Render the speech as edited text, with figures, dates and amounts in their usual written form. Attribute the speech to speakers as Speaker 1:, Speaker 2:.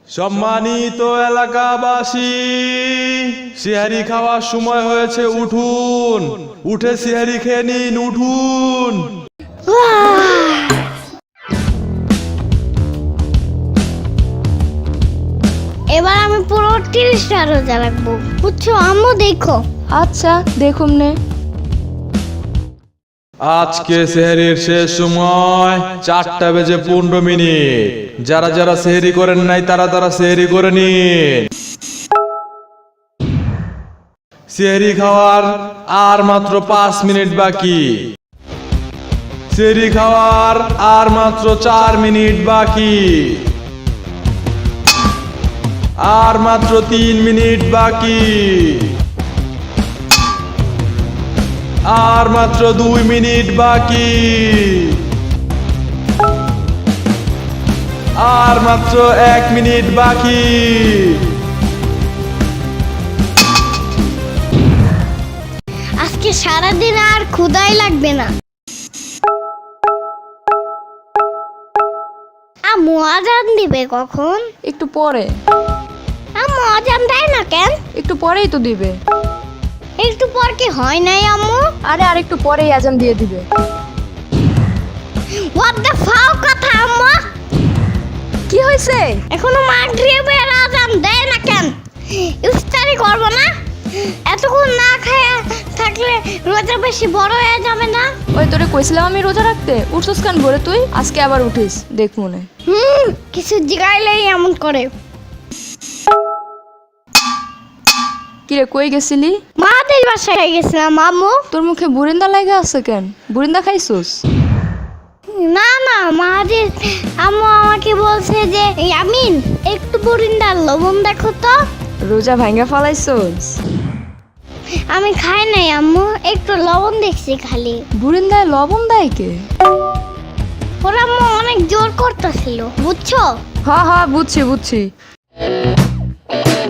Speaker 1: সম্মানিত এলাকাবাসী, সিহারি খাওয়ার সময় হয়েছে, উঠুন, উঠে সিহারি খেয়ে নিন, উঠুন।
Speaker 2: এবার আমি পুরো 30টা রোজা রাখবো, বুঝছো আম্মু? দেখো।
Speaker 3: আচ্ছা দেখুম নে।
Speaker 1: আজকে সেহরির শেষ সময় 4:15। যারা যারা সেহরি করেন নাই তারা তারা সেহরি করে নিন। সেহরি খাওয়ার আর মাত্র 5 মিনিট বাকি। সেহরি খাওয়ার আর মাত্র 4 মিনিট বাকি। আর মাত্র 3 মিনিট বাকি। আর মাত্র 2 মিনিট বাকি। আর মাত্র 1 মিনিট বাকি।
Speaker 2: আজকে সারাদিন আর ক্ষুধাই লাগবে না। আম্মু আজান দিবে কখন?
Speaker 3: একটু পরে।
Speaker 2: আম্মু আজান দেয় না কেন?
Speaker 3: একটু পরেই তো দিবে।
Speaker 2: একটু পর কি হয় নাই আম্মু?
Speaker 3: আরে আর একটু পরেই আজান দিয়ে দিবে।
Speaker 2: হোয়াট দ্য ফাও কথা আম্মু?
Speaker 3: কি হয়েছে?
Speaker 2: এখনো মাগরিবের আজান দেয় না কেন? ইফতারি করব না? এতক্ষণ না খায়া থাকলে রোজা বেশি বড় হয়ে যাবে না?
Speaker 3: ওই তোরে কইছিলাম আমি রোজা রাখতে, উঠছস কেন ভোরে তুই? আজকে আবার উঠিস, দেখ মনে।
Speaker 2: কিছু জিগাইলেই এমন করে।
Speaker 3: কিরে কই গেছিলি?
Speaker 2: মাদের বাসায় গেছিলাম আম্মু।
Speaker 3: তোর মুখে বুরিন্দা লাগা আছে কেন? বুরিন্দা খাইছস?
Speaker 2: না না, মাদের আম্মু আমাকে বলছে যে আমিন একটু বরিন্দার লবণ দেখো তো।
Speaker 3: রোজা ভাঙ্গা ফালাইছস?
Speaker 2: আমি খাই নাই আম্মু, একটু লবণ দেখছি খালি।
Speaker 3: বুরিন্দায় লবণ দেয় কে?
Speaker 2: ওরা আম্মু অনেক জোর করতেছিল, বুঝছো?
Speaker 3: হ্যাঁ হ্যাঁ বুঝছি বুঝছি।